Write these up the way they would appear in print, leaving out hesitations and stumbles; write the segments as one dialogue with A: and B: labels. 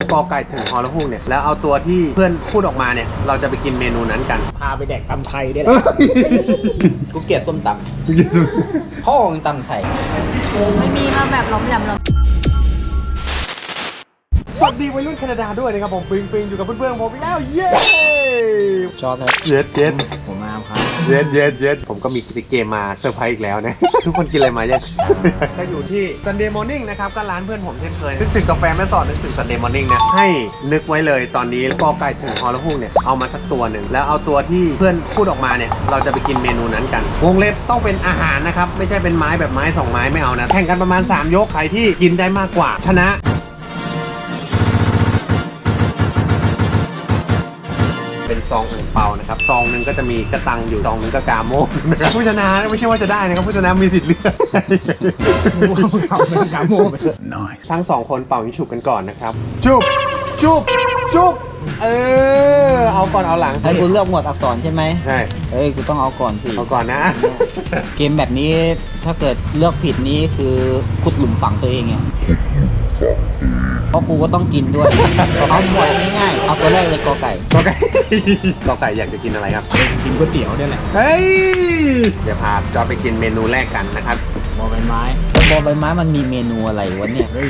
A: กอไก่ถึงฮอลฮูกเนี่ยแล้วเอาตัวที่เพื่อนพูดออกมาเนี่ยเราจะไปกินเมนูนั้นกัน
B: พาไปแดกตำไทยได้แหละกูเกลียดส้มตำพ่อมึงตำไทย
C: ไม่มีมาแบบล้อมแหลม
A: สวัสดีวัยรุ่นแคนาดาด้วยนะครับผมปิงอยู่กับเพื่อนๆผมอีกแล้วเย้
B: ชอบครับ
A: เย็ด
B: ผมมาครับ
A: เย็ดผมก็มีเกมมาเซอร์ไพรส์อีกแล้วนะ ทุกคนกินอะไรมายังก็อยู่ที่ Sunday Morning นะครับก็ร้านเพื่อนผมเช่นเคยนึกถึงกาแฟแม่สอดนึกถึง Sunday Morning นะให้นึกไว้เลยตอนนี้กอไก่ถึงฮอลฮูกเนี่ยเอามาสักตัวหนึ่งแล้วเอาตัวที่เพื่อนพูดออกมาเนี่ยเราจะไปกินเมนูนั้นกันวงเล็บต้องเป็นอาหารนะครับไม่ใช่เป็นไม้แบบไม้2ไม้ไม่เอานะแข่งกันประมาณ3ยกใครที่กินได้มากกว่าชนะเป็นซองอ่างเปานะครับซองหนึ่งก็จะมีกระตังอยู่ซองหนึ่งก็กาโม่นะครับผู้ชนะไม่ใช่ว่าจะได้นะครับผู้ชนะมีสิทธิ์เลือก
B: เอาเป็นกาโม่ไป
A: น้อยทั้ง2คนเป่ายิงฉุบกันก่อนนะครับชุบเอาก่อนเอาหลัง
B: ให้กูเลือกหมวดอักษรใช่ไหม
A: ใช่
B: กูต้องเอาก่อนสิ
A: เอาก่อนนะ
B: เกมแบบนี้ถ้าเกิดเลือกผิดนี้คือขุดหลุมฝังตัวเองไงเพราะกูก็ต้องกินด้วยเอาหมวดง่ายๆเอาตัวแรกเลยกอไก่
A: อยากจะกินอะไรครับ
B: กินก๋วยเตี๋ยวเนี่ยแหละ
A: เฮ้ยเดี๋ยวพาจอไปกินเมนูแรกกันนะครับ
B: บอใบไม้มันมีเมนูอะไรวะเนี่ย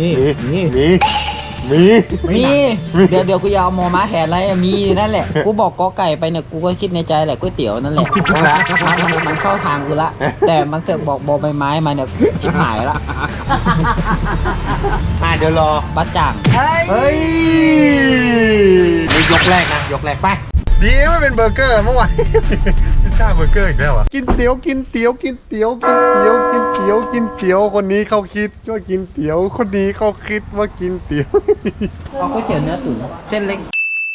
B: เดี๋ยวกูจะเอามอม้าแทนอะไรมีนั่นแหละกูบอกกอไก่ไปเนี่ยกูก็คิดในใจแหละก๋วยเตี๋ยวนั่นแหละมันเข้าทางกูละแต่มันเสือกบอกบอใบไม้มาเนี่ยชิบหายละ
A: เดี๋ยวรอ
B: บัดจ่าง
A: เฮ้ยยกแรกไปดีไม่เป็นเบอร์เกอร์เมื่อวานพิซซ่าเบอร์เกอร์อีกแล้วอ่ะกินเตี๋ยวคนนี้เขาคิดว่ากินเตี๋ยวคนนี้เขาคิดว่ากินเตี๋ยว
B: เอาก๋วยเตี๋ยวเนื้อตุ๋นเส้นเล็ก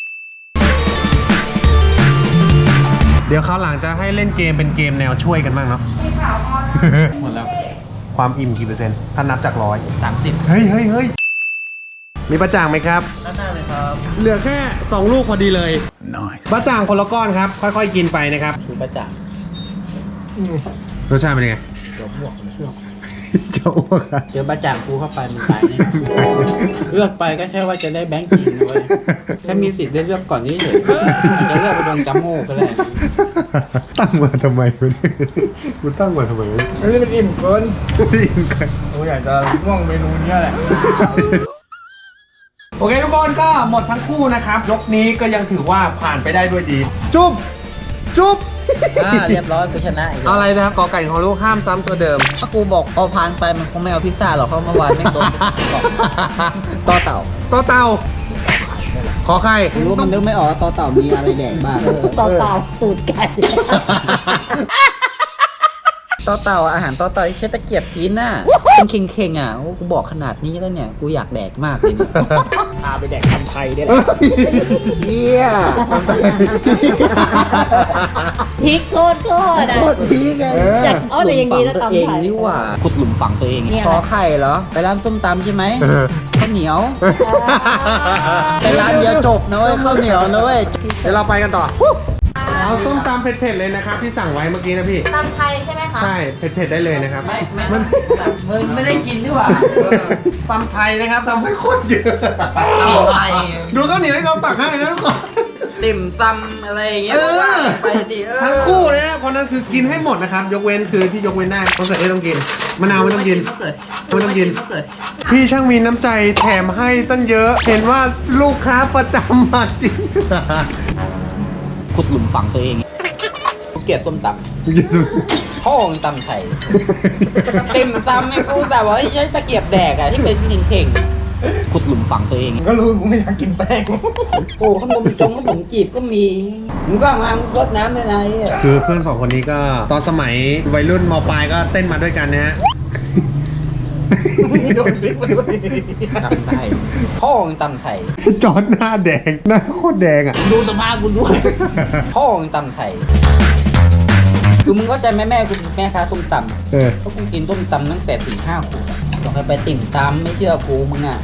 A: เดี๋ยวคราวหลังจะให้เล่นเกมเป็นเกมแนวช่วยกันบ้างเนาะ
B: หมดแล้ว
A: ความอิ่มกี่เปอร์เซ็นต์ถ้านับจาก
B: 130
A: เฮ้ยมีประจ่างไหมครับ
B: ด้านหน้าเลยครับ
A: เหลือแค่2ลูกพอดีเลยประจ่างคนละก้อนครับค่อยๆกินไปนะครับ
B: คือประจ่าง
A: รสชาติเป็นยังไง
B: เดี๋ยวบวกเชื่อ
A: เจ้าอ้วก
B: เดี๋ยวประจ่างกูเข้าไปมันตายแน่เลือกไปก็แค่ว่าจะได้แบงค์จริงเลยแค่มีสิทธิ์ได้เลือกก่อนนี้เฉยอาจจะเลือกไปโดนกัมโม่ก็ได้
A: ตั้งมาทำไมวะเนี่ยกูตั้งมาทำไม
B: อันนี้มันอิ่มเกิน
A: กูอยากจะง่วงเมนูนี้แหละโอเคทุกคนก็หมดทั้งคู่นะครับยกนี้ก็ยังถือว่าผ่านไปได้ด้วยดีจุ๊บ
B: เรียบร้อยกูชนะ
A: เอาอะไรนะครับกอไก่ของลูกห้ามซ้ำตัวเดิม
B: ถ้ากูบอกพอผ่านไปมันคงไม่เอาพิซซ่าหรอกเพราะเมื่อวานไม่โดนต่อเต่า
A: ขอใคร
B: รู้มันนึกไม่ออกต่อเต่ามีอะไรแดกบ้าง
C: ต่อเต่าสูตรไก่
B: ต่อเต่าอาหารต่อเต่าใช้ตะเกียบกินน่ะเป็นเข่งอ่ะกูบอกขนาดนี้แล้วเนี่ยกูอยากแดกมากเลยพาไปแดกตำไทยได้แหละเฮีย
C: พริกโคตร
B: พริกไง
C: แต่อย่างนี้แล้วตำไทย
B: นี่ว่าขุดหลุมฝังตัวเองคอไข่เหรอไปร้านส้มตำใช่ไหมข้าวเหนียวไปร้านเดียวจบนะเว้ยข้าวเหนียวนะเว้ย
A: เดี๋ยวเราไปกันต่อเอาส้มตำเผ็ดๆเลยนะครับที่สั่งไว้เมื่อกี้นะพี่
C: ตำไทยใช่ไหมคะ
A: ใช่เผ็ดๆได้เลยนะครับ
B: มึงไม่ได้กินดีกว่า
A: ตำไทยนะครับตำให้โคตรเยอะ
B: ตำไทย
A: ดูข้าวเหนียวให้เขาตักให้นะทุกคน
B: ติ่มซำอะไรอย่างเงี้ยไปดิ
A: ทั้งคู่เลยนะเพราะนั้นคือกินให้หมดนะครับยกเว้นคือที่ยกเว้นได้มะเขือเทศต้องกินมะนาวไม่ต้องกินพี่ช่างมีน้ำใจแถมให้ตั้งเยอะเห็นว่าลูกค้าประจำมาจริง
B: ขุดหลุมฝังตัวเองกูเกลียดส้มตำพ่อมึงตำไทยเต็มตำไอ้กูแต่ว่าใช้ตะเกียบแดกอะที่เป็นเข่งขุดหลุมฝังตัวเอง
A: ก็รู้กูไม่อยากกินแป้ง
B: โอ้ขนมจีบก็มีมึงก็มารดน้ำได้ไง
A: คือเพื่อน2คนนี้ก็ตอนสมัยวัยรุ่นม.ปลายก็เต้นมาด้วยกันนะฮะ
B: ตำไทยพ่อมึงตำไทย
A: จอดหน้าแดงหน้าโคตรแดงอ่ะ
B: ดูสภาพกูด้วยพ่อมึงตำไทยคือมึงก็ใจแม่กูแม่ค้าส้มตำเพราะกูกินส้มตำตั้งแต่4-5 ขวบบอกให้ไปติ่มตำไม่เชื่อกูมึงอ่ะ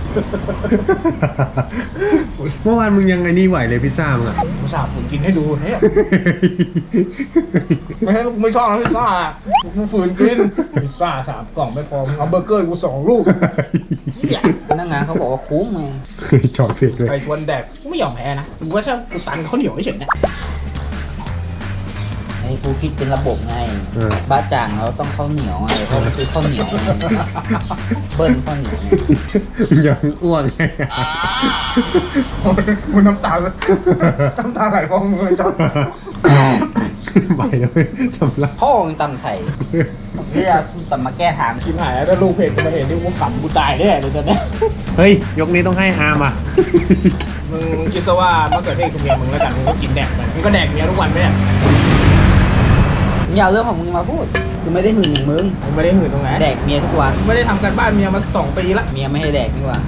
A: เมื่อวานมึงยังไงนี่ไหวเลยพิซซ่ามึงอะ
D: กูสาบฝืนกินให้ดูเนี่ยไม่ใช่กูไม่ชอบนะพิซซ่ากูฝืนกินพิซซ่า3 กล่องไม่พอมึงเอาเบอร์เกอร์กู2 ลูกเหี้ย
B: พนักงานเขาบอกว่าคุ้มไง
A: จอดเผ็ดด้วย
D: ไปชวนแดกกูไม่ยอมแพ้นะกูว่าถ้ากูตันข้าวเหนียวเฉยๆเนี่ย
B: ไอ้กูคิดเป็นระบบไงบ้าจ่างเราต้องข้าวเหนียวไงเพราะมันคือข้าวเหนียวไงเบิ้ลข้าวเหนียวไง
A: ยังอ้วกไง
D: มึงน้ำตาไหลพองมือจ้ะ
A: ไปเลยสำลัก
B: พ่อมึงตำไทยนี่จะตำมาแก้ทาง
D: กินหายแล้วถ้าลูกเพจกูมาเห็นนี่กูขำกูตายแน่เลยตอนเนี้ย
A: เฮ้ย ยกนี้ต้องให้อาร์มอ่ะ
D: มึงคิดซะว่ามะเขือเทศคือเมียมึงแล้วกันมึงก็กินแดกมันมึงก็แดกเมียทุกวันไหมเนี่ย
B: มึงอย่าเอาเรื่องของมึงมาพูดกูไม่ได้หึงอย่างมึง
D: มึงไม่ได้หื่นตรงไหน
B: แดกเมียทุกวัน
D: มึงไม่ได้ทำการบ้านเมียมา2 ปีละ
B: เมียไม่ให้แดกนี่หว่า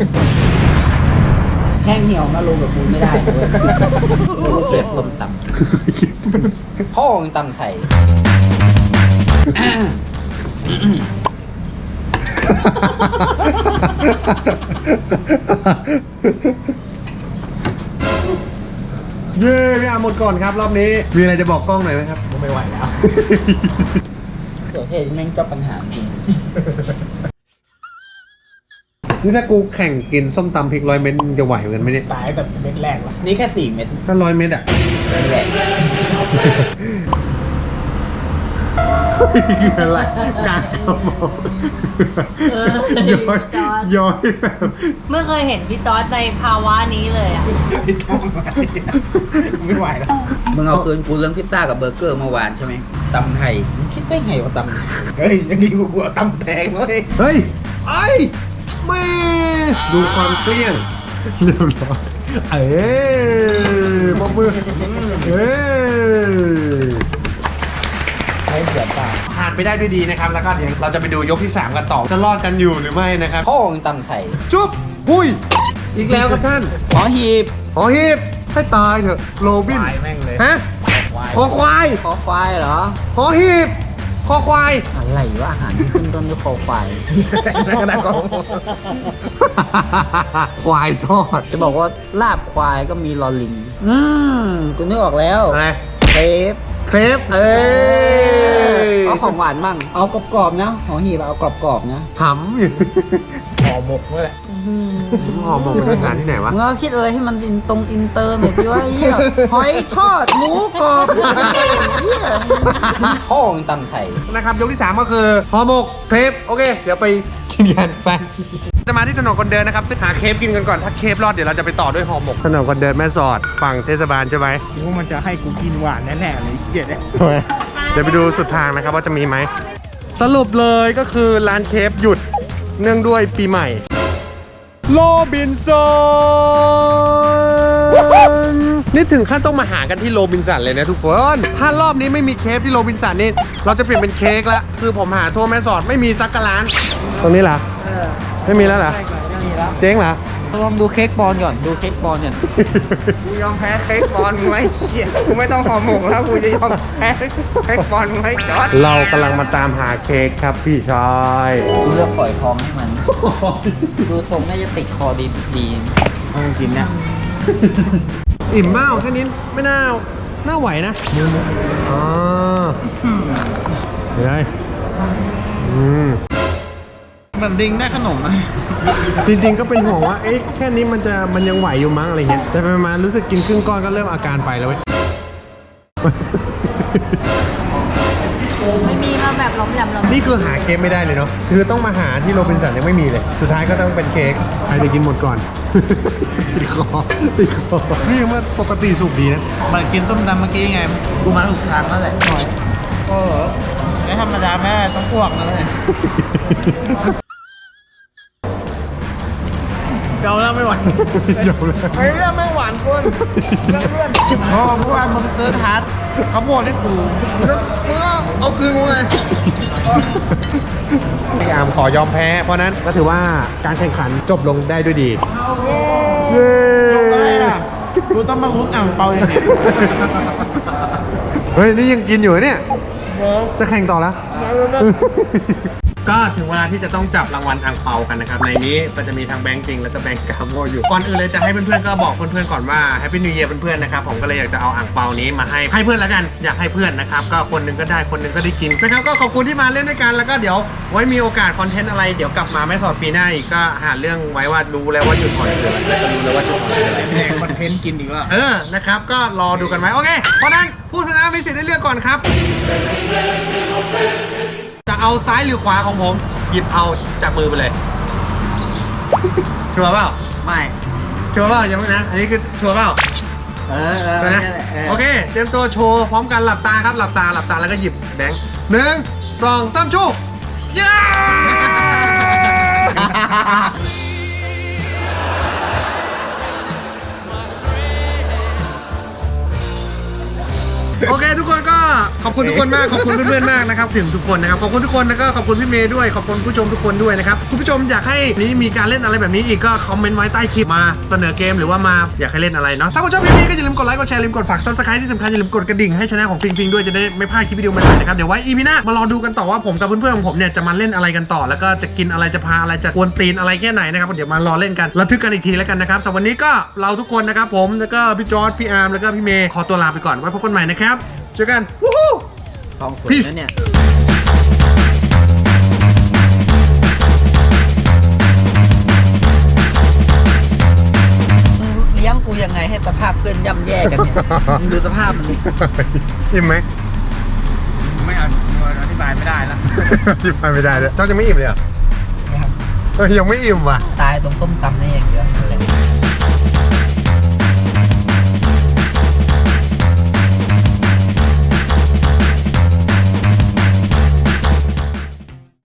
B: แห้งเหี่ยวมาลงกับกูไม่ได้เลยกูเกลียดส้มตำพ่อมึงตำไทย
A: เย้พี่อาร์มหมดก่อนครับรอบนี้ มีอะไรจะบอกกล้องหน่อยไหมครับ
D: กูไม่ไหวแล้ว
B: เกิดเหตุแม่งเจ้าปัญหาจริง
A: นี่ถ้ากูแข่งกินส้มตำพริก100 เม็ดมึงจะไหวเหมือนกันไหมเนี่ย
D: ตายแต่เม็ดแรกละ
B: นี่แค่4 เม็ด
A: ถ้า100 เม็ดอ่ะ
B: นี่แหละ
A: อะไรกลางกระหม่อมย้อยแบบ
C: ไม่เคยเห็นพี่จอร์ดในภาวะนี้เลยอ่ะ
D: ไม่ต้องไม่ไหวแล้ว
B: มึงเอาคืนกูเรื่องพิซซ่ากับเบอร์เกอร์เมื่อวานใช่ไหมตำไทยมึงคิดได้ไงว่าตำไทย
D: เฮ้ยยังดีกูเอาตำแทงเลย
A: เฮ้ยไอ้แม่ดูความเกลี้ยงเรียบร้อยเอ้ยมอบมือเอ้ย
D: ให้เสียตา
A: ผ่านไปได้ด้วยดีนะครับ แล้วก็เดี๋ยวเราจะไปดูยกที่ 3 กันต่อ จะรอดกันอยู่หรือไม่นะครับ
B: พ่อมึงตำไทย
A: จุ๊บหุยอีกแล้วครับท่าน
B: ขอหีบ
A: ขอฮีบให้ตายเถอะโรบิน
D: ควายแม่งเลย
A: ฮะ
D: ควาย
A: คอควาย
B: คอควายเหรอ
A: ขอฮีบคอควาย
B: อะไรวะอาหารที่ขึ้นต้นด้วยคอควาย
D: นั่นก็ได้ก็
A: ควายทอด
B: จะบอกว่าลาบควายก็มีลอลิงกูนึกออกแล้ว
A: อะไร
B: เครป
A: เครปเอ้ย
B: เอาของหวานมั่งเอากรอบๆนะของหีบเอากรอบๆนะ
A: หำอยู่
D: ห่อหมกนี่แหละ
A: ห่อหมกเป็นทางการที่ไหนวะ
B: มึงเอาคิดอะไรให้มันอินเตอร์หน่อยสิว่าเหี้ยหอยทอดหมูกรอบเหี้ยพ่อมึงตำไทย
A: นะครับยกที่ 3 ก็คือห่อหมกเครปโอเค เดี๋ยวไปกินกันไปจะมาที่ถนนคนเดินนะครับหาเครปกินกันก่อนถ้าเครปรอดเดี๋ยวเราจะไปต่อด้วยห่อหมกถนนคนเดินแม่สอดฝั่งเทศบาลใช่ไหม
D: คิดว่ามันจะให้กูกินหวานแน่ๆเลยเกลียดเนี่ย
A: เดี๋ยวไปดูสุดทางนะครับว่าจะมีไหมสรุปเลยก็คือร้านเครปหยุดเนื่องด้วยปีใหม่โรบินสันนี่ถึงขั้นต้องมาหากันที่โรบินสันเลยนะทุกคนถ้ารอบนี้ไม่มีเครปที่โรบินสันนี่เราจะเปลี่ยนเป็นเค้กแล้วคือผมหาทั่วแม่สอดไม่มีสักกะร้านตรงนี้เหรอไม่มีแล้วเหรอเจ๊งเหรอ
B: ลองดูเค้กบอลก่อนดูเค้กบอลก่อน
D: กูยอมแพ้เค้กบอลมึงไหมเกลียดกูไม่ต้องห่อหมกแล้วกูจะยอมแพ้เค้กบอลมึงไหมจอร์ด
A: เรากำลังมาตามหาเค้กครับพี่ชาย
B: กูเลือกฝอยทองให้มัน ดูทรงน่าจะติดคอดี
D: เอามึงกินนะ
A: อิ่มมากแค่นี้ไม่น่าไหวนะอ๋อเฮ้ย
B: แบบดิงได้ขนมไหม
A: จริงๆก็เป็นห่วงว่าเอ๊ะแค่นี้มันยังไหวอยู่มั้งอะไรเงี้ยแต่ไปมารู้สึกกินครึ่งก้อนก็เริ่มอาการไปแล้วเว้ย
C: ไม่มีมาแบบล้อมแหลมล้อม
A: นี่คือหาเค้กไม่ได้เลยเนาะคือต้องมาหาที่โรบินสันยังไม่มีเลย สุดท้ายก็ต้องเป็นเค้กใครจะกินหมดก่อน ติดคอนี่มันปกติสุกดีนะ
B: มันกินต้มตำเมื่อกี้ไงกูมาถูกทางแล้วแหละโอ้โหไม่ธรรมดาแม่ต้องพวกนะเลย
D: เกาแล้วไม่ไหว
A: เดี๋ยวเลย
D: ไอ้เรื่องไม่หวานคนเรื่องเลื่อน
B: อ๋อเมื่อวานมึงเติร์ดฮาร์ดเขาโบดให้กู
D: แล้วมึงก็เอาคืนกูไง
A: พี่อาร์มขอยอมแพ้ เพราะนั้นก็ถือว่าการแข่งขันจบลงได้ด้วยดี เย้
B: อะไรอ่ะกูต้องมาลุ้นอ่างเปาอย่างนี้
A: เฮ้ย นี่ยังกินอยู่เหรอเนี่ย จะแข่งต่อแล้วก็ถึงเวลาที่จะต้องจับรางวัลอังเปากันนะครับในนี้ก็จะมีทั้งแบงก์จริงแล้วก็แบงก์กาโมอยู่ก่อนอื่นเลยจะให้เพื่อนๆก็บอกเพื่อนๆก่อนว่าแฮปปี้นิวเยียร์เพื่อนๆนะครับผมก็เลยอยากจะเอาอังเปานี้มาให้เพื่อนแล้วกันอยากให้เพื่อนนะครับก็คนหนึงก็ได้คนหนึงก็ได้กินนะครับก็ขอบคุณที่มาเล่นด้วยกันแล้วก็เดี๋ยวไว้มีโอกาสคอนเทนต์อะไรเดี๋ยวกลับมาแม่สอดปีหน้าอีกก็หาเรื่องไว้ว่ารู้แล้วว่าจุดอ่อนคืออะไรแล้วก็รู้แล้วว่าจุดอ่อนคืออะไร
D: แดกคอนเทนต์กินอีกแล้ว
A: นะครับก็รอดูกันไว้โอเคเพราะนั้นผู้ชนะมีสิทธิ์ได้เลือกก่อนครับจะเอาซ้ายหรือขวาของผมหยิบเอาจากมือไปเลย ชัวร์เปล่า
B: ไม่
A: ชัวร์เปล่ายังไม่นะอันนี้คือชัวร์เปล่า ชัวร์นะโอเคเตรียมตัวโชว์พร้อมกันหลับตาครับหลับตาแล้วก็หยิบแบงค์1 2 3ชูย้า โอเคทุกคนก็ขอบคุณทุกคนมากขอบคุณเพื่อนๆมากนะครับถึงทุกคนนะครับขอบคุณทุกคนแล้วก็ขอบคุณพี่เมย์ด้วยขอบคุณผู้ชมทุกคนด้วยนะครับคุณผู้ชมอยากให้นี้มีการเล่นอะไรแบบนี้อีกก็คอมเมนต์ไว้ใต้คลิปมาเสนอเกมหรือว่ามาอยากให้เล่นอะไรเนาะถ้าคุณชอบคลิปนี้ก็อย่าลืมกดไลค์กดแชร์อย่าลืมกดฝาก Subscribe ที่สำคัญอย่าลืมกดกระดิ่งให้ช่องของฟิงด้วยจะได้ไม่พลาดคลิปวิดีโอใหม่ๆนะครับเดี๋ยวไว้ EP หน้ามารอดูกันต่อว่าผมกับเพื่อนๆของผมเนี่ยจะมาเล่นอะไรกันต่อแล้วก็จะกินอะไรจะพาอะไรจะกวนตีนอะไรแค่ไหนนะครับเดี๋ยวมารอเล่นกันระทึกกันอีกทีแล้วกันนะครับสำหรับวันนี้ก็เราทุกคนนะครับผมแล้วก็พี่จอร์จพี่อาร์มแล้วก็พี่เมย์ขอตัวลาไปก่อนไว้พบกันใหม่นะครับเจอกันวู้ฮู้
B: ทองสวย
A: Peace
B: นะเนี่ยมึงเลี้ยงกูยังไงให้สภาพเพื่อนย่ำแย่กันเนี่ย มึงดูสภาพมันดิ
A: อิ่มไหม
D: ไม่อธิบายไม่ได้แล้ว
A: อิ่มไปไม่ได้เลยเจ้าจะไม่อิ่มเลยเหรอยังไม่อิ่มว่ะ
B: ตายตรงส้มตำนี่อย่างเดียว